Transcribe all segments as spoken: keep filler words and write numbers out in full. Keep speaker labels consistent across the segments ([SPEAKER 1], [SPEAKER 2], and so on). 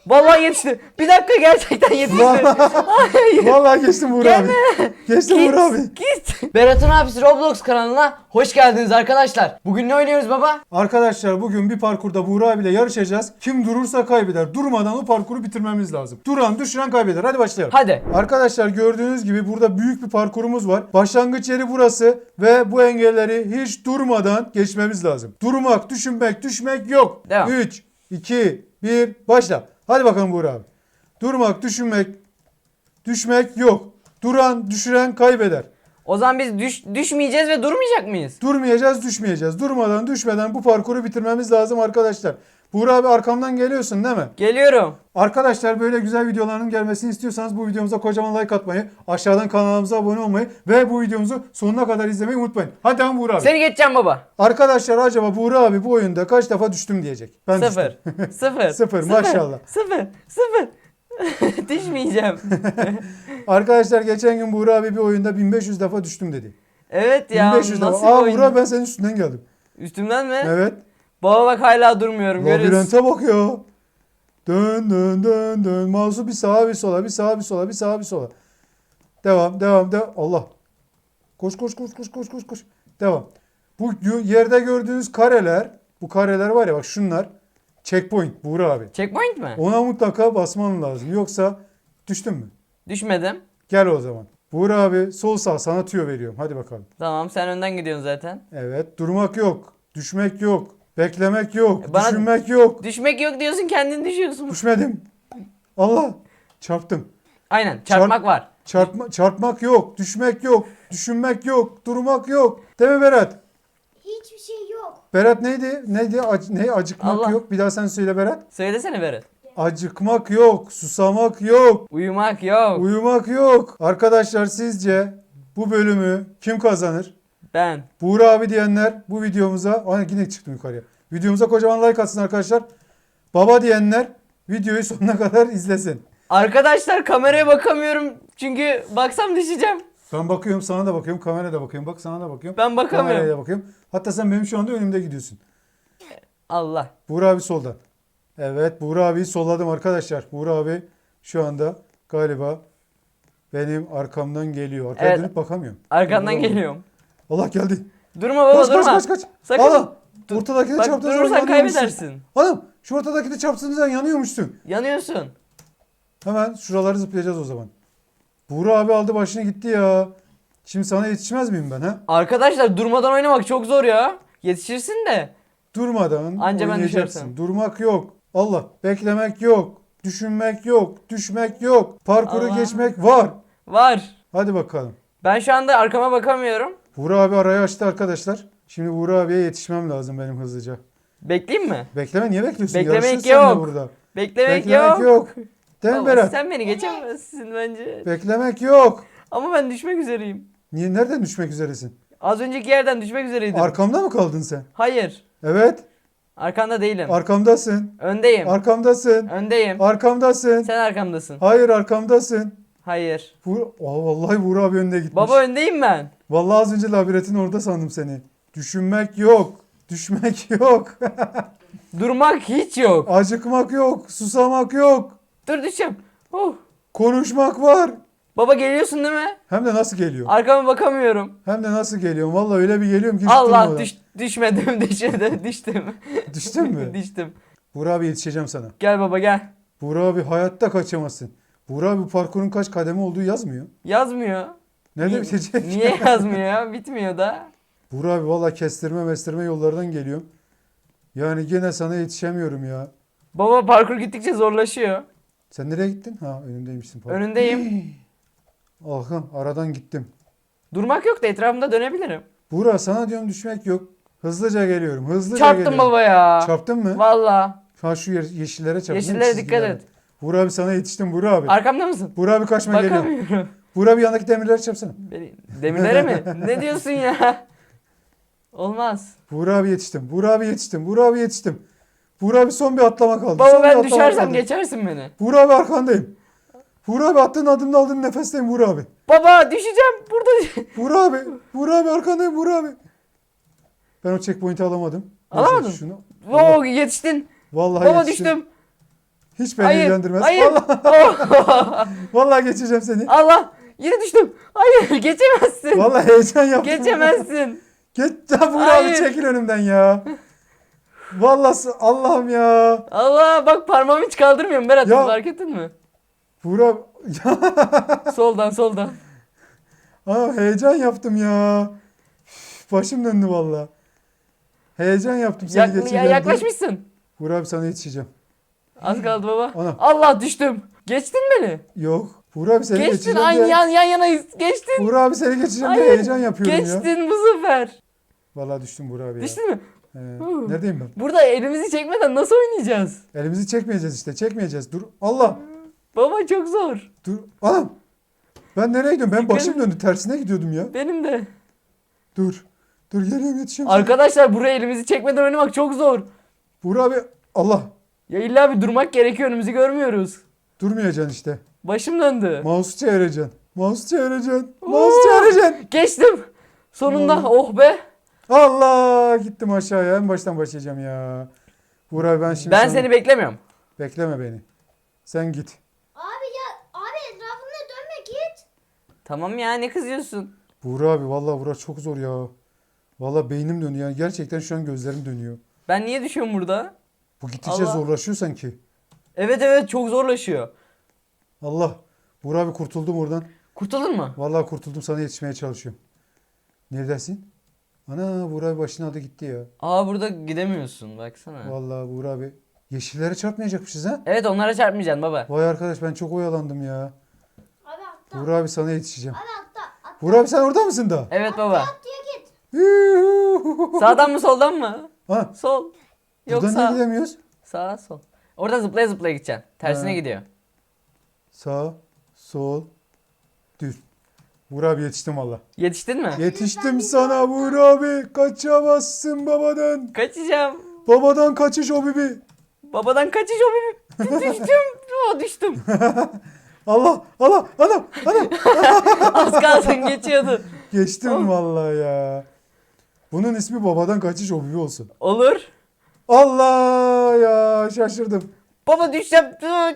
[SPEAKER 1] Vallahi yetişti. Bir dakika gerçekten yetişti. Hayır.
[SPEAKER 2] Vallahi geçtim Buğra abi. Geçtim
[SPEAKER 1] Git,
[SPEAKER 2] Buğra abi.
[SPEAKER 1] git. Berat'ın abisi Roblox kanalına hoş geldiniz arkadaşlar. Bugün ne oynuyoruz baba?
[SPEAKER 2] Arkadaşlar bugün bir parkurda Buğra abiyle yarışacağız. Kim durursa kaybeder. Durmadan o parkuru bitirmemiz lazım. Duran düşüren kaybeder. Hadi başlayalım.
[SPEAKER 1] Hadi.
[SPEAKER 2] Arkadaşlar gördüğünüz gibi burada büyük bir parkurumuz var. Başlangıç yeri burası ve bu engelleri hiç durmadan geçmemiz lazım. Durmak, düşünmek, düşmek yok.
[SPEAKER 1] Devam.
[SPEAKER 2] üç, iki, bir, başla. Hadi bakalım Buğra abi. Durmak, düşünmek, düşmek yok. Duran, düşüren kaybeder.
[SPEAKER 1] O zaman biz düş, düşmeyeceğiz ve durmayacak mıyız?
[SPEAKER 2] Durmayacağız, düşmeyeceğiz. Durmadan, düşmeden bu parkuru bitirmemiz lazım arkadaşlar. Buğra abi arkamdan geliyorsun değil mi?
[SPEAKER 1] Geliyorum.
[SPEAKER 2] Arkadaşlar böyle güzel videoların gelmesini istiyorsanız bu videomuza kocaman like atmayı, aşağıdan kanalımıza abone olmayı ve bu videomuzu sonuna kadar izlemeyi unutmayın. Hadi ama Buğra abi.
[SPEAKER 1] Seni geçeceğim baba.
[SPEAKER 2] Arkadaşlar acaba Buğra abi bu oyunda kaç defa düştüm diyecek. Ben
[SPEAKER 1] Sıfır.
[SPEAKER 2] düştüm.
[SPEAKER 1] Sıfır.
[SPEAKER 2] Sıfır, maşallah.
[SPEAKER 1] Sıfır. Sıfır. Düşmeyeceğim.
[SPEAKER 2] Arkadaşlar geçen gün Buğra abi bir oyunda bin beş yüz defa düştüm dedi.
[SPEAKER 1] Evet ya.
[SPEAKER 2] bin beş yüz defa.
[SPEAKER 1] Nasıl bir
[SPEAKER 2] Aa
[SPEAKER 1] oyun?
[SPEAKER 2] Buğra ben senin üstünden geldim.
[SPEAKER 1] Üstümden mi?
[SPEAKER 2] Evet.
[SPEAKER 1] Baba bak hala durmuyorum. Görüyorsun.
[SPEAKER 2] Labirente bak ya. Dön dön dön dön. Mouse'u bir sağa bir sola, bir sağa bir sola, bir sağa bir sola. Devam, devam, devam. Allah. Koş koş koş koş koş koş koş. Devam. Bu yerde gördüğünüz kareler, bu kareler var ya bak şunlar. Checkpoint Buğra abi.
[SPEAKER 1] Checkpoint mi?
[SPEAKER 2] Ona mutlaka basman lazım. Yoksa düştün mü?
[SPEAKER 1] Düşmedim.
[SPEAKER 2] Gel o zaman. Buğra abi sol sağ sana tüyo veriyorum. Hadi bakalım.
[SPEAKER 1] Tamam sen önden gidiyorsun zaten.
[SPEAKER 2] Evet. Durmak yok. Düşmek yok. Beklemek yok.
[SPEAKER 1] Bana-
[SPEAKER 2] Düşünmek yok.
[SPEAKER 1] Düşmek yok diyorsun kendin düşüyorsun.
[SPEAKER 2] Düşmedim. Allah. Çarptım.
[SPEAKER 1] Aynen çarpmak
[SPEAKER 2] Çarp-
[SPEAKER 1] var.
[SPEAKER 2] Çarpma, çarpmak yok. Düşmek yok. Düşünmek yok. Durmak yok. Değil mi Berat?
[SPEAKER 3] Hiçbir şey yok.
[SPEAKER 2] Berat neydi? Neydi? Ac- ne? Acıkmak
[SPEAKER 1] Allah.
[SPEAKER 2] yok. Bir daha sen söyle Berat.
[SPEAKER 1] Söylesene Berat.
[SPEAKER 2] Acıkmak yok. Susamak yok.
[SPEAKER 1] Uyumak yok.
[SPEAKER 2] Uyumak yok. Arkadaşlar sizce bu bölümü kim kazanır?
[SPEAKER 1] Ben.
[SPEAKER 2] Buğra abi diyenler bu videomuza... Ay yine çıktım yukarıya. Videomuza kocaman like atsın arkadaşlar. Baba diyenler videoyu sonuna kadar izlesin.
[SPEAKER 1] Arkadaşlar kameraya bakamıyorum çünkü baksam düşeceğim.
[SPEAKER 2] Ben bakıyorum, sana da bakıyorum, kameraya da bakıyorum. Bak sana da bakıyorum.
[SPEAKER 1] Ben bakamıyorum.
[SPEAKER 2] Kameraya da bakıyorum. Hatta sen benim şu anda önümde gidiyorsun.
[SPEAKER 1] Allah.
[SPEAKER 2] Buğra abi solda. Evet, Buğra abiyi solladım arkadaşlar. Buğra abi şu anda galiba benim arkamdan geliyor. Arkaya
[SPEAKER 1] Evet.
[SPEAKER 2] dönüp bakamıyorum.
[SPEAKER 1] Arkandan
[SPEAKER 2] Buğra abi.
[SPEAKER 1] geliyorum.
[SPEAKER 2] Allah geldi.
[SPEAKER 1] Durma baba
[SPEAKER 2] Kaç
[SPEAKER 1] durma.
[SPEAKER 2] kaç kaç kaç.
[SPEAKER 1] Sakın.
[SPEAKER 2] Allah.
[SPEAKER 1] Dur-
[SPEAKER 2] Ortadakine
[SPEAKER 1] Bak
[SPEAKER 2] çarptığın zaman
[SPEAKER 1] durursan
[SPEAKER 2] yanıyormuşsun.
[SPEAKER 1] kaybedersin.
[SPEAKER 2] Hanım şu ortadakine çarptığın zaman yanıyormuşsun.
[SPEAKER 1] Yanıyorsun.
[SPEAKER 2] Hemen şuraları zıplayacağız o zaman. Buğra abi aldı başını gitti ya. Şimdi sana yetişmez miyim ben ha?
[SPEAKER 1] Arkadaşlar durmadan oynamak çok zor ya. Yetişirsin de.
[SPEAKER 2] Durmadan
[SPEAKER 1] Anca ben
[SPEAKER 2] oynayacaksın.
[SPEAKER 1] düşersem.
[SPEAKER 2] Durmak yok. Allah. Beklemek yok. Düşünmek yok. Düşmek yok. Parkuru
[SPEAKER 1] Allah.
[SPEAKER 2] geçmek var.
[SPEAKER 1] Var.
[SPEAKER 2] Hadi bakalım.
[SPEAKER 1] Ben şu anda arkama bakamıyorum.
[SPEAKER 2] Buğra abi arayı açtı arkadaşlar. Şimdi Buğra abiye yetişmem lazım benim hızlıca.
[SPEAKER 1] Bekleyeyim mi?
[SPEAKER 2] Bekleme, niye bekliyorsun?
[SPEAKER 1] Beklemek
[SPEAKER 2] Yarışıyorsun seninle
[SPEAKER 1] yok.
[SPEAKER 2] burada.
[SPEAKER 1] Beklemek,
[SPEAKER 2] Beklemek
[SPEAKER 1] yok.
[SPEAKER 2] yok. Değil mi
[SPEAKER 1] Baba,
[SPEAKER 2] Berat?
[SPEAKER 1] sen beni geçemezsin bence.
[SPEAKER 2] Beklemek yok.
[SPEAKER 1] Ama ben düşmek üzereyim.
[SPEAKER 2] Niye, nereden düşmek üzeresin?
[SPEAKER 1] Az önceki yerden düşmek üzereydim.
[SPEAKER 2] Arkamda mı kaldın sen?
[SPEAKER 1] Hayır.
[SPEAKER 2] Evet.
[SPEAKER 1] Arkanda değilim.
[SPEAKER 2] Arkamdasın.
[SPEAKER 1] Öndeyim.
[SPEAKER 2] Arkamdasın.
[SPEAKER 1] Öndeyim.
[SPEAKER 2] Arkamdasın.
[SPEAKER 1] Sen arkamdasın.
[SPEAKER 2] Hayır arkamdasın.
[SPEAKER 1] Hayır.
[SPEAKER 2] Buğra... Aa, vallahi Buğra abi önde gitmiş.
[SPEAKER 1] Baba öndeyim ben.
[SPEAKER 2] Vallahi az önce labirentin orada sandım seni. Düşünmek yok. Düşmek yok.
[SPEAKER 1] Durmak hiç yok.
[SPEAKER 2] Acıkmak yok. Susamak yok.
[SPEAKER 1] Dur düşeceğim. Oh.
[SPEAKER 2] Konuşmak var.
[SPEAKER 1] Baba geliyorsun değil mi?
[SPEAKER 2] Hem de nasıl geliyor?
[SPEAKER 1] Arkama bakamıyorum.
[SPEAKER 2] Hem de nasıl geliyorum? Vallahi öyle bir geliyorum ki hiç
[SPEAKER 1] Allah
[SPEAKER 2] durmadan.
[SPEAKER 1] düş, düşmedim düşmedim düştüm.
[SPEAKER 2] Düştün mü?
[SPEAKER 1] Düştüm.
[SPEAKER 2] Buğra abi yetişeceğim sana.
[SPEAKER 1] Gel baba gel.
[SPEAKER 2] Buğra abi hayatta kaçamazsın. Buğra abi bu parkurun kaç kademe olduğu yazmıyor.
[SPEAKER 1] Yazmıyor.
[SPEAKER 2] Nerede
[SPEAKER 1] Niye-
[SPEAKER 2] bitecek?
[SPEAKER 1] Niye yazmıyor ya? Bitmiyor da.
[SPEAKER 2] Buğra abi valla kestirme mestirme yollardan geliyorum. Yani gene sana yetişemiyorum ya.
[SPEAKER 1] Baba parkur gittikçe zorlaşıyor.
[SPEAKER 2] Sen nereye gittin? Ha önümdeymişsin. Pardon.
[SPEAKER 1] Önündeyim.
[SPEAKER 2] Ahım aradan gittim.
[SPEAKER 1] Durmak yok da etrafımda dönebilirim.
[SPEAKER 2] Buğra sana diyorum düşmek yok. Hızlıca geliyorum. Hızlıca
[SPEAKER 1] Çarptım
[SPEAKER 2] geliyorum.
[SPEAKER 1] baba ya.
[SPEAKER 2] Çarptın mı?
[SPEAKER 1] Valla.
[SPEAKER 2] Ha şu ye- yeşillere çarptın.
[SPEAKER 1] Yeşillere dikkat
[SPEAKER 2] çizgilere.
[SPEAKER 1] et.
[SPEAKER 2] Buğra abi sana yetiştim Buğra abi.
[SPEAKER 1] Arkamda mısın?
[SPEAKER 2] Buğra abi kaçma geliyor.
[SPEAKER 1] Bakamıyorum.
[SPEAKER 2] Buğra abi yanındaki demirleri çarpsana.
[SPEAKER 1] Beni, demirlere mi? Ne diyorsun ya? Olmaz.
[SPEAKER 2] Buğra abi yetiştim. Buğra abi yetiştim. Buğra abi yetiştim. Buğra abi son bir atlama kaldı.
[SPEAKER 1] Baba
[SPEAKER 2] Son bir
[SPEAKER 1] ben
[SPEAKER 2] atlama
[SPEAKER 1] düşersem
[SPEAKER 2] kaldı.
[SPEAKER 1] geçersin beni.
[SPEAKER 2] Buğra abi arkandayım. Buğra abi attığın adımda aldığın nefesteyim Buğra abi.
[SPEAKER 1] Baba düşeceğim burada.
[SPEAKER 2] Buğra abi. Buğra abi arkandayım Buğra abi. Ben o checkpoint'i alamadım. Neyse,
[SPEAKER 1] Alamadın?
[SPEAKER 2] Şunu.
[SPEAKER 1] Oo yetiştin.
[SPEAKER 2] Vallahi
[SPEAKER 1] Baba
[SPEAKER 2] yetiştim.
[SPEAKER 1] düştüm.
[SPEAKER 2] Hiç beni
[SPEAKER 1] Hayır.
[SPEAKER 2] ilgilendirmez.
[SPEAKER 1] Hayır.
[SPEAKER 2] Vallahi,
[SPEAKER 1] Oh.
[SPEAKER 2] vallahi geçeceğim seni.
[SPEAKER 1] Allah. Yine düştüm. Hayır geçemezsin.
[SPEAKER 2] Vallahi heyecan yaptım.
[SPEAKER 1] Geçemezsin.
[SPEAKER 2] Geç ya Buğra abi
[SPEAKER 1] Hayır.
[SPEAKER 2] çekil önümden ya. Vallahi Allah'ım ya.
[SPEAKER 1] Allah bak parmağımı hiç kaldırmıyorum Berat.
[SPEAKER 2] Ya.
[SPEAKER 1] Fark ettin mi?
[SPEAKER 2] Buğra ya.
[SPEAKER 1] Soldan soldan.
[SPEAKER 2] Aa, heyecan yaptım ya. Üf, başım döndü vallahi. Heyecan yaptım seni
[SPEAKER 1] Yak- ya,
[SPEAKER 2] geçeceğim diye.
[SPEAKER 1] yaklaşmışsın.
[SPEAKER 2] Buğra abi sana yetişeceğim.
[SPEAKER 1] Az kaldı baba.
[SPEAKER 2] Ana.
[SPEAKER 1] Allah düştüm. Geçtin beni.
[SPEAKER 2] Yok. Buğra abi seni
[SPEAKER 1] Geçtin.
[SPEAKER 2] geçeceğim
[SPEAKER 1] Aynı
[SPEAKER 2] diye.
[SPEAKER 1] yan yan yanayız. Geçtin.
[SPEAKER 2] Buğra abi seni geçeceğim diye
[SPEAKER 1] Hayır.
[SPEAKER 2] heyecan yapıyorum ya.
[SPEAKER 1] Geçtin bu sefer.
[SPEAKER 2] Vallahi düştüm Buğra abi ya.
[SPEAKER 1] Düştün mü?
[SPEAKER 2] Ee,
[SPEAKER 1] Huh.
[SPEAKER 2] neredeyim ben?
[SPEAKER 1] Burada elimizi çekmeden nasıl oynayacağız?
[SPEAKER 2] Elimizi çekmeyeceğiz işte. Çekmeyeceğiz. Dur. Allah.
[SPEAKER 1] Baba çok zor.
[SPEAKER 2] Dur. Anam. Ben nereye gidiyorum? Ben
[SPEAKER 1] Dikkat
[SPEAKER 2] başım
[SPEAKER 1] et.
[SPEAKER 2] döndü. Tersine gidiyordum ya.
[SPEAKER 1] Benim de.
[SPEAKER 2] Dur. Dur geliyorum yetişiyorum. sana.
[SPEAKER 1] Arkadaşlar buraya elimizi çekmeden oynamak çok zor.
[SPEAKER 2] Buğra abi. Allah.
[SPEAKER 1] Ya illa bir durmak gerekiyor, önümüzü görmüyoruz.
[SPEAKER 2] Durmayacaksın işte.
[SPEAKER 1] Başım döndü.
[SPEAKER 2] Mouse'u çevireceksin. Mouse'u çevireceksin.
[SPEAKER 1] Oo.
[SPEAKER 2] Mouse'u çevireceksin.
[SPEAKER 1] Geçtim. Sonunda
[SPEAKER 2] Vallahi.
[SPEAKER 1] oh be.
[SPEAKER 2] Allah. Gittim aşağıya. En baştan başlayacağım ya. Buğra abi ben şimdi
[SPEAKER 1] Ben
[SPEAKER 2] sana-
[SPEAKER 1] seni beklemiyorum.
[SPEAKER 2] Bekleme beni. Sen git.
[SPEAKER 3] Abi ya abi etrafında dönme git.
[SPEAKER 1] Tamam ya, ne kızıyorsun?
[SPEAKER 2] Buğra abi vallahi bura çok zor ya. Vallahi beynim dönüyor. Yani gerçekten şu an gözlerim dönüyor.
[SPEAKER 1] Ben niye düşüyorum burada?
[SPEAKER 2] Bu gittikçe
[SPEAKER 1] Allah.
[SPEAKER 2] zorlaşıyor sanki.
[SPEAKER 1] Evet evet, çok zorlaşıyor.
[SPEAKER 2] Allah. Buğra abi kurtuldum oradan.
[SPEAKER 1] Kurtuldun mu?
[SPEAKER 2] Vallahi kurtuldum, sana yetişmeye çalışıyorum. Neredesin? Ana Buğra abi başın adı gitti ya.
[SPEAKER 1] Aa, burada gidemiyorsun baksana.
[SPEAKER 2] Vallahi Buğra abi. Yeşillere çarpmayacakmışız ha.
[SPEAKER 1] Evet, onlara çarpmayacaksın baba.
[SPEAKER 2] Vay arkadaş ben çok oyalandım ya.
[SPEAKER 3] Abi atla.
[SPEAKER 2] Buğra abi sana yetişeceğim.
[SPEAKER 3] Abi atla. Atla
[SPEAKER 2] Buğra abi sen orada mısın da?
[SPEAKER 1] Evet baba.
[SPEAKER 3] diye git.
[SPEAKER 1] Sağdan mı soldan mı?
[SPEAKER 2] Ha,
[SPEAKER 1] Sol. Yok
[SPEAKER 2] buradan niye
[SPEAKER 1] sağ.
[SPEAKER 2] gidemiyoruz?
[SPEAKER 1] Sağ sol. Orada zıplaya zıplaya gideceksin. Tersine
[SPEAKER 2] Ha.
[SPEAKER 1] gidiyor.
[SPEAKER 2] Sağ, sol, düz. Buğra abi yetiştim valla.
[SPEAKER 1] Yetiştin mi?
[SPEAKER 2] Yetiştim sana Buğra abi. Kaçamazsın babadan.
[SPEAKER 1] Kaçacağım.
[SPEAKER 2] Babadan kaçış o bibi.
[SPEAKER 1] Babadan kaçış o benim. Düştüm. O düştüm.
[SPEAKER 2] Allah, Allah, anam, anam.
[SPEAKER 1] Az kalsın geçiyordu.
[SPEAKER 2] Geçtim
[SPEAKER 1] Oh.
[SPEAKER 2] vallahi ya. Bunun ismi babadan kaçış o bibi olsun.
[SPEAKER 1] Olur.
[SPEAKER 2] Allah ya şaşırdım.
[SPEAKER 1] Baba düşeceğim. Dur.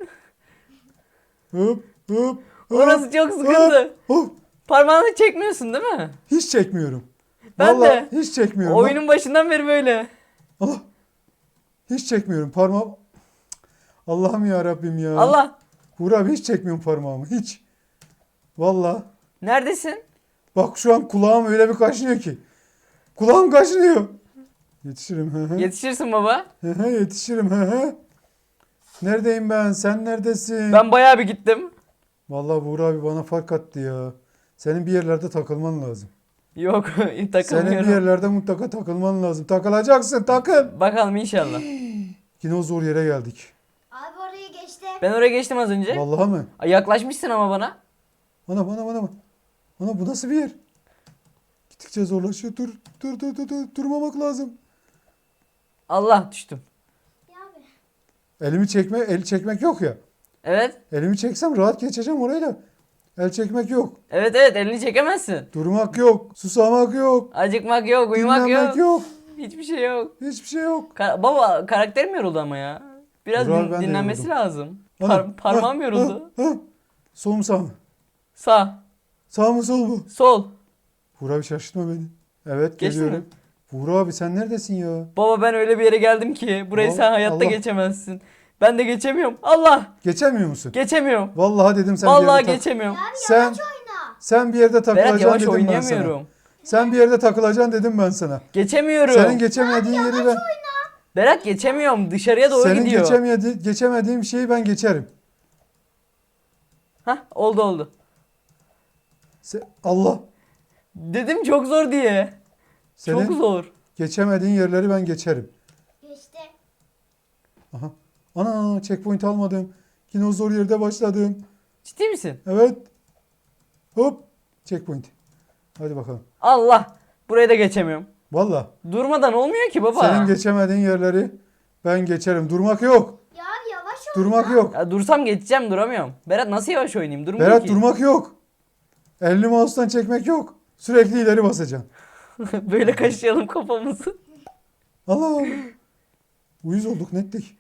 [SPEAKER 2] Hop, hop, hop.
[SPEAKER 1] Orası çok sıkıntı.
[SPEAKER 2] Hop, hop.
[SPEAKER 1] Parmağını çekmiyorsun değil mi?
[SPEAKER 2] Hiç çekmiyorum.
[SPEAKER 1] Ben
[SPEAKER 2] Vallahi
[SPEAKER 1] de.
[SPEAKER 2] hiç çekmiyorum.
[SPEAKER 1] Oyunun başından beri böyle.
[SPEAKER 2] Allah. Hiç çekmiyorum parmağım. Allah'ım ya Rabbim ya.
[SPEAKER 1] Allah.
[SPEAKER 2] Buğra abi hiç çekmiyorum parmağımı hiç. Vallahi.
[SPEAKER 1] Neredesin?
[SPEAKER 2] Bak şu an kulağım öyle bir kaşınıyor ki. Kulağım kaşınıyor. Yetişirim. Hı hı.
[SPEAKER 1] Yetişirsin baba.
[SPEAKER 2] Hı hı, yetişirim. Hı hı. Neredeyim ben? Sen neredesin?
[SPEAKER 1] Ben bayağı bir gittim.
[SPEAKER 2] Vallahi Buğra abi bana fark attı ya. Senin bir yerlerde takılman lazım.
[SPEAKER 1] Yok,
[SPEAKER 2] Senin bir
[SPEAKER 1] takılmıyorum.
[SPEAKER 2] yerlerde mutlaka takılman lazım. Takılacaksın takıl.
[SPEAKER 1] Bakalım inşallah.
[SPEAKER 2] Yine o zor yere geldik.
[SPEAKER 3] Abi oraya geçti.
[SPEAKER 1] Ben oraya geçtim az önce.
[SPEAKER 2] Vallahi mi?
[SPEAKER 1] Ay, yaklaşmışsın ama bana.
[SPEAKER 2] Ana bana bana bana. Ana bu nasıl bir yer? Gittikçe zorlaşıyor. Dur dur dur dur, dur. Durmamak lazım.
[SPEAKER 1] Allah, düştüm.
[SPEAKER 3] Ya abi.
[SPEAKER 2] Elimi çekme, el çekmek yok ya.
[SPEAKER 1] Evet.
[SPEAKER 2] Elimi çeksem rahat geçeceğim orayla. El çekmek yok.
[SPEAKER 1] Evet evet, elini çekemezsin.
[SPEAKER 2] Durmak yok. Susamak yok.
[SPEAKER 1] Acıkmak yok, uyumak
[SPEAKER 2] Dinlenmek
[SPEAKER 1] yok.
[SPEAKER 2] yok.
[SPEAKER 1] Hiçbir şey yok.
[SPEAKER 2] Hiçbir şey yok.
[SPEAKER 1] Ka- baba, karakterim yoruldu ama ya. Biraz
[SPEAKER 2] Burak,
[SPEAKER 1] din-
[SPEAKER 2] ben de
[SPEAKER 1] dinlenmesi
[SPEAKER 2] yoruldum.
[SPEAKER 1] lazım.
[SPEAKER 2] Ana,
[SPEAKER 1] Par- parmağım
[SPEAKER 2] ha,
[SPEAKER 1] yoruldu.
[SPEAKER 2] Ha, ha. Sol mu sağ mı?
[SPEAKER 1] Sağ,
[SPEAKER 2] Sağ mı sol mu?
[SPEAKER 1] sol.
[SPEAKER 2] Buğra abi şaşırtma beni. Evet
[SPEAKER 1] Geçtin
[SPEAKER 2] geliyorum.
[SPEAKER 1] mi?
[SPEAKER 2] Buğra abi sen neredesin ya?
[SPEAKER 1] Baba, ben öyle bir yere geldim ki burayı
[SPEAKER 2] Allah-
[SPEAKER 1] sen hayatta
[SPEAKER 2] Allah.
[SPEAKER 1] geçemezsin. Ben de geçemiyorum. Allah!
[SPEAKER 2] Geçemiyor musun?
[SPEAKER 1] Geçemiyorum.
[SPEAKER 2] Vallahi dedim sen bir
[SPEAKER 1] Vallahi
[SPEAKER 2] yerde tak-
[SPEAKER 1] geçemiyorum.
[SPEAKER 3] Abi
[SPEAKER 2] Sen
[SPEAKER 3] yavaş oyna.
[SPEAKER 2] sen bir yerde
[SPEAKER 1] Berat,
[SPEAKER 2] takılacaksın
[SPEAKER 1] yavaş
[SPEAKER 2] dedim ben sana.
[SPEAKER 1] oynayamıyorum.
[SPEAKER 2] Sen bir yerde takılacaksın dedim ben sana.
[SPEAKER 1] Geçemiyorum.
[SPEAKER 2] Senin geçemediğin yeri ben
[SPEAKER 1] Berat, geçemiyorum. Dışarıya doğru
[SPEAKER 2] senin
[SPEAKER 1] gidiyor.
[SPEAKER 2] geçemedi, geçemediğim şeyi ben geçerim.
[SPEAKER 1] Hah, oldu oldu.
[SPEAKER 2] Se- Allah.
[SPEAKER 1] Dedim çok zor diye.
[SPEAKER 2] Senin
[SPEAKER 1] Çok zor.
[SPEAKER 2] geçemediğin yerleri ben geçerim.
[SPEAKER 3] Geçti.
[SPEAKER 2] Aha. Ana checkpoint almadım. Yine o zor yerde başladım.
[SPEAKER 1] Ciddi misin?
[SPEAKER 2] Evet. Hop. Checkpoint. Hadi bakalım.
[SPEAKER 1] Allah! Burayı da geçemiyorum.
[SPEAKER 2] Valla.
[SPEAKER 1] Durmadan olmuyor ki baba.
[SPEAKER 2] Senin geçemediğin yerleri ben geçerim. Durmak yok.
[SPEAKER 3] Ya abi yavaş oyna.
[SPEAKER 2] Durmak yok.
[SPEAKER 1] Ya dursam geçeceğim, duramıyorum. Berat, nasıl yavaş oynayayım? Durmuyor
[SPEAKER 2] Berat
[SPEAKER 1] ki.
[SPEAKER 2] durmak yok. Elini mouse'tan çekmek yok. Sürekli ileri basacaksın.
[SPEAKER 1] Böyle kaşıyalım kafamızı.
[SPEAKER 2] Allah. Uyuz olduk nettik.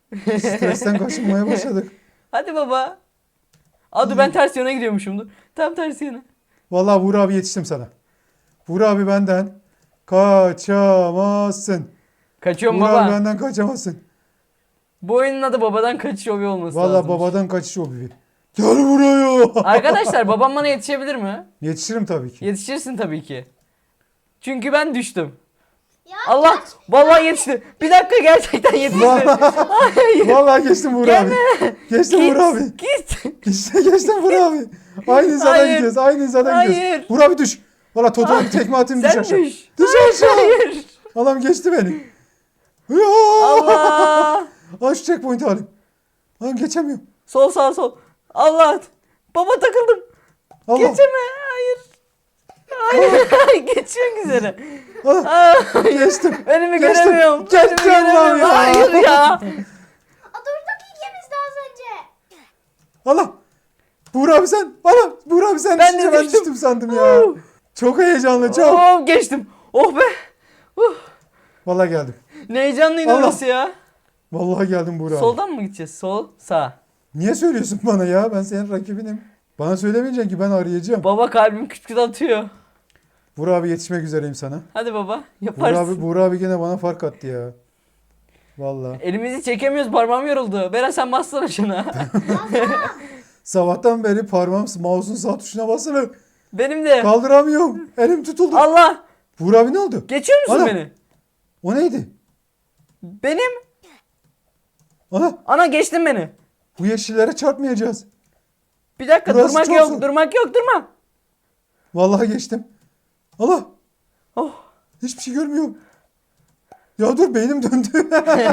[SPEAKER 2] Stresten kaşınmaya başladık.
[SPEAKER 1] Hadi baba. Aa dur ben ters yöne gidiyormuşum dur. Tam tersi yöne.
[SPEAKER 2] Vallahi Buğra abi yetiştim sana. Buğra abi benden kaçamazsın.
[SPEAKER 1] Kaçıyorum
[SPEAKER 2] Buğra
[SPEAKER 1] baba.
[SPEAKER 2] abi benden kaçamazsın.
[SPEAKER 1] Bu oyunun adı babadan kaçış hobi olması
[SPEAKER 2] Vallahi
[SPEAKER 1] lazım.
[SPEAKER 2] babadan kaçış o bir. Gel buraya.
[SPEAKER 1] Arkadaşlar babam bana yetişebilir mi?
[SPEAKER 2] Yetişirim tabii ki.
[SPEAKER 1] Yetişirsin tabii ki. Çünkü ben düştüm.
[SPEAKER 3] Ya
[SPEAKER 1] Allah vallahi yetişti. Bir dakika gerçekten yetişti. Hayır.
[SPEAKER 2] Vallahi geçtim Buğra abi. Geçtim
[SPEAKER 1] Git,
[SPEAKER 2] Buğra abi.
[SPEAKER 1] Git.
[SPEAKER 2] İşte geçtim Buğra abi. Aynı hizadan
[SPEAKER 1] Hayır.
[SPEAKER 2] gideceğiz. Aynı hizadan
[SPEAKER 1] Hayır.
[SPEAKER 2] gideceğiz. Buğra abi düş. Valla Toto'ya bir tekme atayım düş
[SPEAKER 1] Sen
[SPEAKER 2] aşağı.
[SPEAKER 1] düş.
[SPEAKER 2] Düş aşağı.
[SPEAKER 1] Hayır.
[SPEAKER 2] Adam geçti beni. Ya.
[SPEAKER 1] Allah.
[SPEAKER 2] Al şu checkpoint'i alayım. Lan geçemiyorum.
[SPEAKER 1] Sol sağ sol. Allah. Baba takıldım.
[SPEAKER 2] Allah.
[SPEAKER 1] Geçeme. Hayır. Hayır. Geçmek üzere.
[SPEAKER 2] Allah.
[SPEAKER 1] Aa,
[SPEAKER 2] Geçtim.
[SPEAKER 1] önümü
[SPEAKER 2] Geçtim.
[SPEAKER 1] göremiyorum.
[SPEAKER 2] Geçtim
[SPEAKER 1] Önümü
[SPEAKER 2] lan
[SPEAKER 1] göremiyorum.
[SPEAKER 2] ya.
[SPEAKER 1] Hayır ya.
[SPEAKER 3] A, durduk ikimiz de az önce.
[SPEAKER 2] Allah. Buğra abi sen. Allah. Buğra abi sen
[SPEAKER 1] Ben de
[SPEAKER 2] düşünce ben
[SPEAKER 1] düştüm.
[SPEAKER 2] düştüm sandım ya. Çok heyecanlı çok.
[SPEAKER 1] Oh, geçtim. Oh be. Uh.
[SPEAKER 2] Vallahi geldim.
[SPEAKER 1] Ne heyecanlıydı
[SPEAKER 2] Allah.
[SPEAKER 1] orası ya.
[SPEAKER 2] Vallahi geldim Buğra abi.
[SPEAKER 1] Soldan mı gideceğiz? Sol, sağ.
[SPEAKER 2] Niye söylüyorsun bana ya? Ben senin rakibinim. Bana söylemeyeceksin ki ben arayacağım.
[SPEAKER 1] Baba kalbim küt küt atıyor.
[SPEAKER 2] Buğra abi yetişmek üzereyim sana.
[SPEAKER 1] Hadi baba
[SPEAKER 2] Buğra
[SPEAKER 1] yaparsın.
[SPEAKER 2] abi, Buğra abi gene bana fark attı ya. Vallahi.
[SPEAKER 1] Elimizi çekemiyoruz, parmağım yoruldu. Beren sen bassana şuna.
[SPEAKER 2] Sabahtan beri parmağım mouse'un sağ tuşuna basılı.
[SPEAKER 1] Benim de.
[SPEAKER 2] Kaldıramıyorum. Elim tutuldu.
[SPEAKER 1] Allah.
[SPEAKER 2] Buğra abi ne oldu?
[SPEAKER 1] Geçiyor musun
[SPEAKER 2] Ana.
[SPEAKER 1] beni?
[SPEAKER 2] O neydi?
[SPEAKER 1] Benim.
[SPEAKER 2] Ana
[SPEAKER 1] Ana geçtin beni.
[SPEAKER 2] bu yeşillere çarpmayacağız.
[SPEAKER 1] Bir dakika
[SPEAKER 2] Burası
[SPEAKER 1] durmak
[SPEAKER 2] çok
[SPEAKER 1] yok,
[SPEAKER 2] zor.
[SPEAKER 1] durmak yok, durma.
[SPEAKER 2] Vallahi geçtim. Allah.
[SPEAKER 1] Oh.
[SPEAKER 2] Hiçbir şey görmüyorum. Ya dur beynim döndü.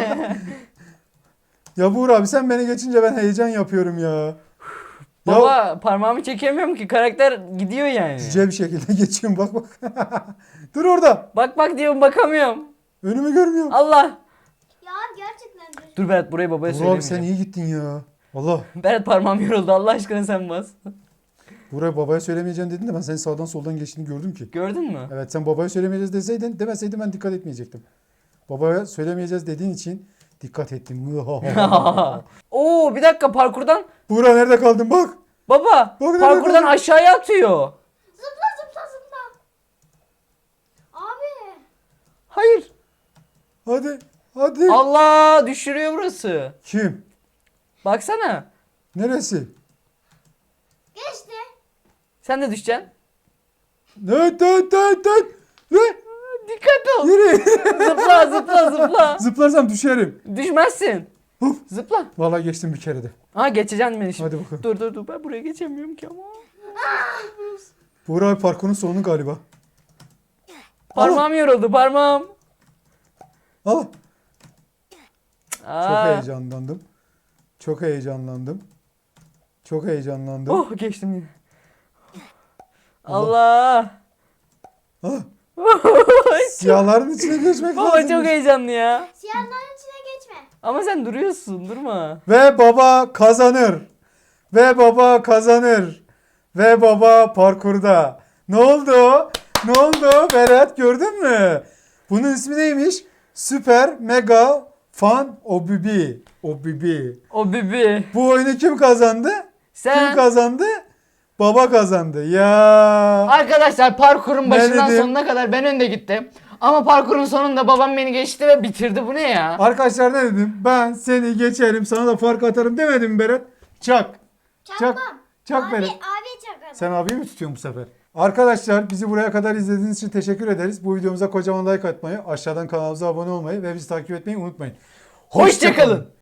[SPEAKER 2] Ya Buğra abi sen beni geçince ben heyecan yapıyorum ya. Ya
[SPEAKER 1] Baba parmağımı çekemiyorum ki karakter gidiyor yani.
[SPEAKER 2] güzel bir şekilde geçiyorum bak bak. Dur orada.
[SPEAKER 1] Bak bak diyorum bakamıyorum.
[SPEAKER 2] Önümü görmüyorum.
[SPEAKER 3] Ya
[SPEAKER 1] Allah.
[SPEAKER 3] gerçekten düş.
[SPEAKER 1] Dur Berat burayı babaya
[SPEAKER 2] Buğra abi sen
[SPEAKER 1] söylemeyeceğim.
[SPEAKER 2] iyi gittin ya. Allah.
[SPEAKER 1] Berat parmağım yoruldu Allah aşkına sen bas.
[SPEAKER 2] Buğra babaya söylemeyeceğim dedin de ben senin sağdan soldan geçtiğini gördüm ki.
[SPEAKER 1] Gördün mü?
[SPEAKER 2] Evet sen babaya söylemeyeceğiz deseydin demeseydin ben dikkat etmeyecektim. Babaya söylemeyeceğiz dediğin için dikkat ettim.
[SPEAKER 1] Oo bir dakika parkurdan.
[SPEAKER 2] Buğra nerede kaldın bak.
[SPEAKER 1] Baba
[SPEAKER 2] Bak,
[SPEAKER 1] parkurdan
[SPEAKER 2] nerede?
[SPEAKER 1] aşağıya atıyor.
[SPEAKER 3] Zıpla zıpla zıpla. Abi.
[SPEAKER 1] Hayır.
[SPEAKER 2] Hadi. Hadi.
[SPEAKER 1] Allah düşürüyor burası.
[SPEAKER 2] Kim?
[SPEAKER 1] Baksana.
[SPEAKER 2] Neresi?
[SPEAKER 3] Geçti.
[SPEAKER 1] Sen de düşeceksin.
[SPEAKER 2] Evet evet evet evet. Ne?
[SPEAKER 1] Dikkat ol.
[SPEAKER 2] Yürü.
[SPEAKER 1] Zıpla zıpla zıpla.
[SPEAKER 2] Zıplarsam düşerim.
[SPEAKER 1] Düşmezsin.
[SPEAKER 2] Hop.
[SPEAKER 1] Zıpla.
[SPEAKER 2] Vallahi geçtim bir kere de.
[SPEAKER 1] Ha geçeceksin beni şimdi.
[SPEAKER 2] Hadi bakalım.
[SPEAKER 1] Dur dur dur ben buraya geçemiyorum ki ama.
[SPEAKER 2] Buğra abi parkurun sonu galiba.
[SPEAKER 1] Parmağım yoruldu parmağım.
[SPEAKER 2] Al. Çok
[SPEAKER 1] Aa.
[SPEAKER 2] heyecanlandım. Çok heyecanlandım. Çok heyecanlandım.
[SPEAKER 1] Oh geçtim yine. Allah.
[SPEAKER 2] Ah, siyahların içine geçmek
[SPEAKER 1] Baba
[SPEAKER 2] lazım.
[SPEAKER 1] çok heyecanlı ya.
[SPEAKER 3] Siyahların içine geçme.
[SPEAKER 1] Ama sen duruyorsun durma.
[SPEAKER 2] Ve baba kazanır. Ve baba kazanır. Ve baba parkurda. Ne oldu? Ne oldu? Berat gördün mü? Bunun ismi neymiş? Süper Mega Fan Obibi. Obibi.
[SPEAKER 1] O bibi.
[SPEAKER 2] Bu oyunu kim kazandı? Kim
[SPEAKER 1] Sen.
[SPEAKER 2] kazandı? Baba kazandı. Ya.
[SPEAKER 1] Arkadaşlar parkurun
[SPEAKER 2] Ne
[SPEAKER 1] başından
[SPEAKER 2] dedim?
[SPEAKER 1] sonuna kadar ben önde gittim. Ama parkurun sonunda babam beni geçti ve bitirdi. Bu ne ya?
[SPEAKER 2] Arkadaşlar ne dedim? Ben seni geçerim, sana da fark atarım demedim mi Berat? Çak.
[SPEAKER 3] Çakmam.
[SPEAKER 2] Çak
[SPEAKER 3] abi,
[SPEAKER 2] Berat.
[SPEAKER 3] abi çakarım.
[SPEAKER 2] Sen abiyi mi tutuyorsun bu sefer? Arkadaşlar bizi buraya kadar izlediğiniz için teşekkür ederiz. Bu videomuza kocaman like atmayı, aşağıdan kanalımıza abone olmayı ve bizi takip etmeyi unutmayın.
[SPEAKER 1] Hoşçakalın.